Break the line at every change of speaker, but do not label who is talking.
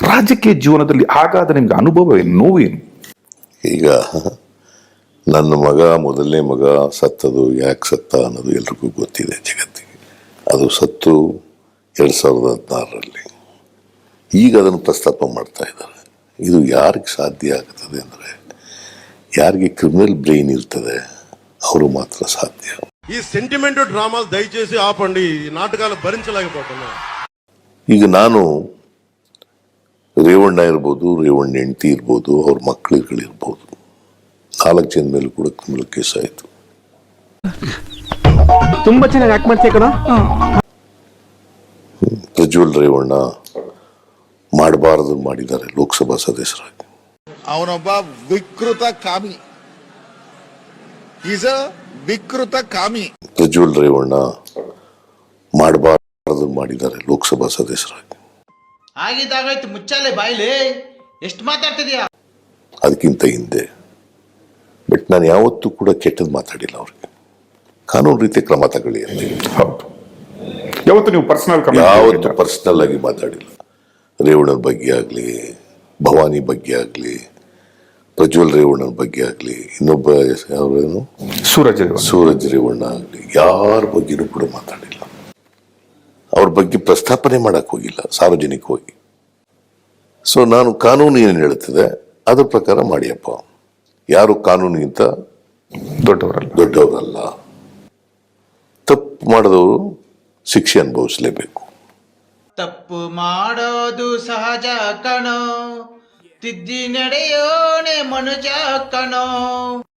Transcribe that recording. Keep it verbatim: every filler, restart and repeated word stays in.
ರಾಜಕೀಯ ಜೀವನದಲ್ಲಿ ಆಗಾದ ನಿಮ್ಗೆ ಅನುಭವ ಏನು, ನೋವೇನು?
ಈಗ ನನ್ನ ಮಗ ಮೊದಲನೇ ಮಗ ಸತ್ತದು ಯಾಕೆ ಸತ್ತ ಅನ್ನೋದು ಎಲ್ರಿಗೂ ಗೊತ್ತಿದೆ ಜಗತ್ತಿಗೆ. ಅದು ಸತ್ತು ಎರಡು ಸಾವಿರದ ಹದಿನಾರರಲ್ಲಿ. ಈಗ ಅದನ್ನು ಪ್ರಸ್ತಾಪ ಮಾಡ್ತಾ ಇದ್ದಾರೆ. ಇದು ಯಾರಿಗೆ ಸಾಧ್ಯ ಆಗ್ತದೆ ಅಂದರೆ, ಯಾರಿಗೆ ಕ್ರಿಮಿನಲ್ ಬ್ರೈನ್ ಇರ್ತದೆ ಅವರು ಮಾತ್ರ ಸಾಧ್ಯ.
ఈ సెంటిమెంట్ డ్రామాలు దయచేసి ఆపండి. ఈ నాటకాలు భరించలేకపోతున్నా.
ಈಗ ನಾನು ರೇವಣ್ಣ ಇರ್ಬೋದು, ರೇವಣ್ಣ ಹೆಂಡತಿ ಇರ್ಬೋದು, ಅವ್ರ ಮಕ್ಕಳುಗಳಿರ್ಬೋದು, ನಾಲ್ಕು ಜನ ಮೇಲೆ ಕೂಡ ಕ್ರಿಮಿನಲ್ ಕೇಸ್ ಆಯಿತು.
ತುಂಬಾ ಚೆನ್ನಾಗಿ ಆಕ್ಟ್ ಮಾಡ್ತೀಯ ಕಣ.
ಪ್ರಜ್ವಲ್ ರೇವಣ್ಣ ಮಾಡಬಾರದು ಮಾಡಿದ್ದಾರೆ ಲೋಕಸಭಾ ಸದಸ್ಯರಾಗಿ.
ಅವನೊಬ್ಬ ವಿಕೃತ ಕಾಮಿ. ಈಸ್ ಅ ವಿಕೃತ ಕಾಮಿ.
ಪ್ರಜ್ವಲ್ ರೇವಣ್ಣ ಮಾಡಬಾರದು ಮಾಡಿದ್ದಾರೆ ಲೋಕಸಭಾ ಸದಸ್ಯರಾಗಿ.
ಆಗಿದ್ದಾಗಾಯ್ತು, ಮುಚ್ಚಾಲೆ ಬಾಯ್ಲಿ, ಎಷ್ಟು ಮಾತಾಡ್ತಿದ್ಯಾ?
ಅದಕ್ಕಿಂತ ಹಿಂದೆ ಬಟ್ ನಾನು ಯಾವತ್ತೂ ಕೂಡ ಕೆಟ್ಟದ್ದು ಮಾತಾಡಿಲ್ಲ. ಅವ್ರಿಗೆ ಕಾನೂನು ರೀತಿಯ ಕ್ರಮ ತಗೊಳ್ಳಿ ಅಂತ.
ಹೌದು, ಯಾವತ್ತು ನೀವು ಪರ್ಸನಲ್
ಯಾವತ್ತು ಪರ್ಸನಲ್ ಆಗಿ ಮಾತಾಡಿಲ್ಲ. ರೇವಣ್ಣನ ಬಗ್ಗೆ ಆಗಲಿ, ಭವಾನಿ ಬಗ್ಗೆ ಆಗಲಿ, ಪ್ರಜ್ವಲ್ ರೇವಣ್ಣನ ಬಗ್ಗೆ ಆಗಲಿ, ಇನ್ನೊಬ್ಬ ಯಾರೇನು
ಸೂರಜ್
ಸೂರಜ್ ರೇವಣ್ಣ ಆಗಲಿ, ಯಾರ ಬಗ್ಗೆನೂ ಕೂಡ ಮಾತಾಡಿಲ್ಲ. ಅವ್ರ ಬಗ್ಗೆ ಪ್ರಸ್ತಾಪನೆ ಮಾಡಕ್ ಹೋಗಿಲ್ಲ ಸಾರ್ವಜನಿಕವಾಗಿ. ಸೊ ನಾನು ಕಾನೂನು ಏನು ಹೇಳುತ್ತದೆ ಅದ್ರ ಪ್ರಕಾರ ಮಾಡಿಯಪ್ಪ. ಯಾರು ಕಾನೂನಿಗಿಂತ
ದೊಡ್ಡವರಲ್ಲ
ದೊಡ್ಡವರಲ್ಲ. ತಪ್ಪು ಮಾಡಿದವರು ಶಿಕ್ಷೆ ಅನುಭವಿಸಲೇಬೇಕು.
ತಪ್ಪು ಮಾಡೋದು ಸಹಜ ಕಣೋ, ತಿದ್ದಿ ನಡೆಯೋಣೆ ಮನುಜ ಕಣೋ.